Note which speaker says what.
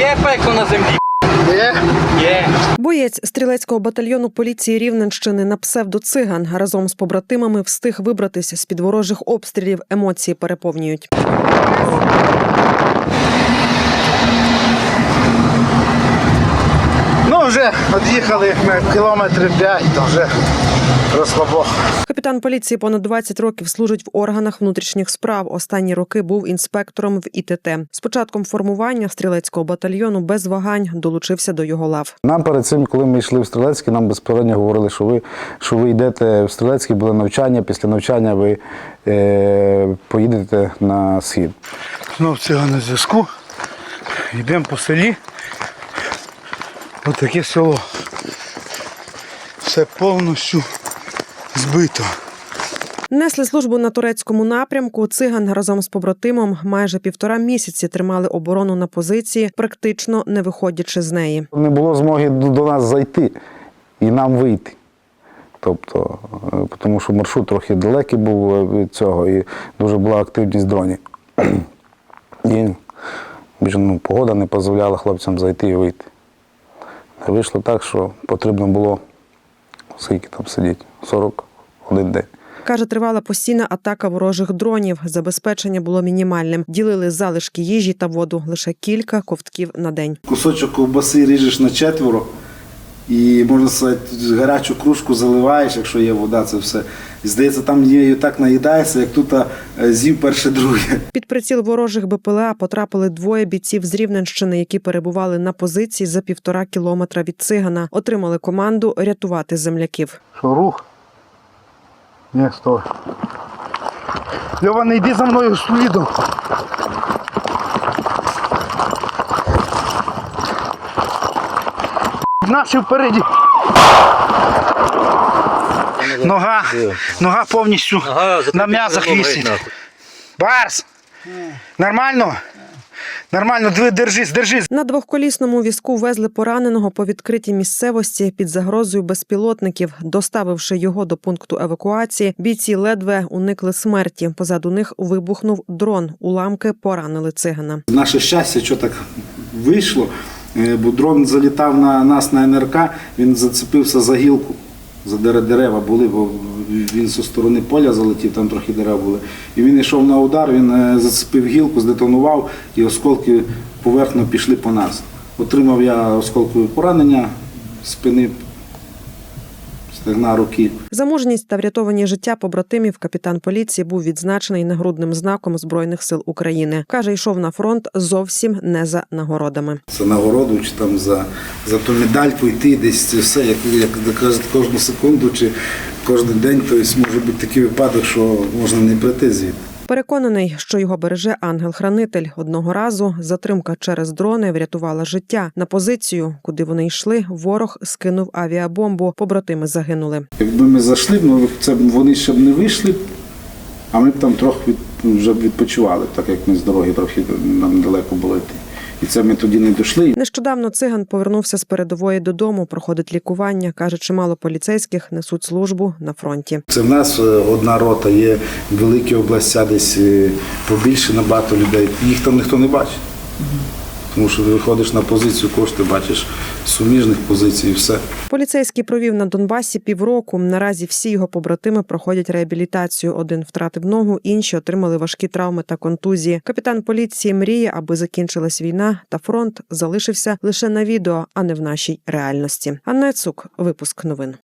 Speaker 1: Є пекло на землі.
Speaker 2: Є?
Speaker 1: Є.
Speaker 3: Боєць стрілецького батальйону поліції Рівненщини на псевдо-циган разом з побратимами встиг вибратися з-під ворожих обстрілів. Емоції переповнюють.
Speaker 2: Ну, вже від'їхали кілометрів 5, то вже розслабох.
Speaker 3: Капітан поліції понад 20 років служить в органах внутрішніх справ. Останні роки був інспектором в ІТТ. З початком формування стрілецького батальйону без вагань долучився до його лав.
Speaker 4: Нам перед цим, коли ми йшли в Стрілецький, нам безпосередньо говорили, що ви йдете в Стрілецький, буде навчання, після навчання ви поїдете на схід.
Speaker 2: Знов циган на зв'язку. Йдемо по селі. Ось таке село. Все повністю збито.
Speaker 3: Несли службу на турецькому напрямку. Циган разом з побратимом майже 1,5 місяці тримали оборону на позиції, практично не виходячи з неї.
Speaker 4: Не було змоги до нас зайти і нам вийти. Тобто, тому що маршрут трохи далекий був від цього і дуже була активність дронів. І погода не дозволяла хлопцям зайти і вийти. Вийшло так, що потрібно було, скільки там сидіти, 41 день.
Speaker 3: Каже, тривала постійна атака ворожих дронів. Забезпечення було мінімальним. Ділили залишки їжі та воду. Лише кілька ковтків на день.
Speaker 2: Кусочок ковбаси ріжеш на 4 і, можна сказати, гарячу кружку заливаєш, якщо є вода, це все. І, здається, там її так наїдається, як тут з'їв перше-друге.
Speaker 3: Під приціл ворожих БПЛА потрапили 2 бійців з Рівненщини, які перебували на позиції за 1,5 кілометра від Цигана. Отримали команду рятувати земляків.
Speaker 2: Що, рух? Ні, стой. Льова, не йди за мною слідом. Наші впереді. Нога повністю на м'язах висить. Барс! Нормально? Нормально, держись.
Speaker 3: На двохколісному візку везли пораненого по відкритій місцевості під загрозою безпілотників. Доставивши його до пункту евакуації, бійці ледве уникли смерті. Позаду них вибухнув дрон. Уламки поранили цигана.
Speaker 2: Наше щастя, що так вийшло, бо дрон залітав на нас на НРК, він зацепився за гілку. За дерева були, бо він зі сторони поля залетів, там трохи дерев були. І він йшов на удар, він зацепив гілку, здетонував, і осколки поверхно пішли по нас. Отримав я осколкове поранення спини, стегна, руки.
Speaker 3: За мужність та врятовані життя побратимів капітан поліції був відзначений нагрудним знаком Збройних сил України. Каже, йшов на фронт зовсім не за нагородами.
Speaker 2: За нагороду, чи там за ту медальку йти, десь це все, як кажуть, кожну секунду чи кожен день, то може бути такий випадок, що можна не прийти звідти.
Speaker 3: Переконаний, що його береже ангел-хранитель. Одного разу затримка через дрони врятувала життя. На позицію, куди вони йшли, ворог скинув авіабомбу. Побратими загинули.
Speaker 2: Якби ми зайшли, вони ще б не вийшли, а ми б там трохи вже відпочивали, так як ми з дороги трохи нам далеко було йти. І це ми тоді не дійшли.
Speaker 3: Нещодавно циган повернувся з передової додому, проходить лікування. Каже, чимало поліцейських несуть службу на фронті.
Speaker 2: Це в нас одна рота, є великі області, десь побільше набагато людей. Їх там ніхто не бачить. Тому що ти виходиш на позицію, кошти бачиш суміжних позицій і все.
Speaker 3: Поліцейський провів на Донбасі півроку. Наразі всі його побратими проходять реабілітацію. Один втратив ногу, інші отримали важкі травми та контузії. Капітан поліції мріє, аби закінчилась війна та фронт залишився лише на відео, а не в нашій реальності. Анна Яцук, випуск новин.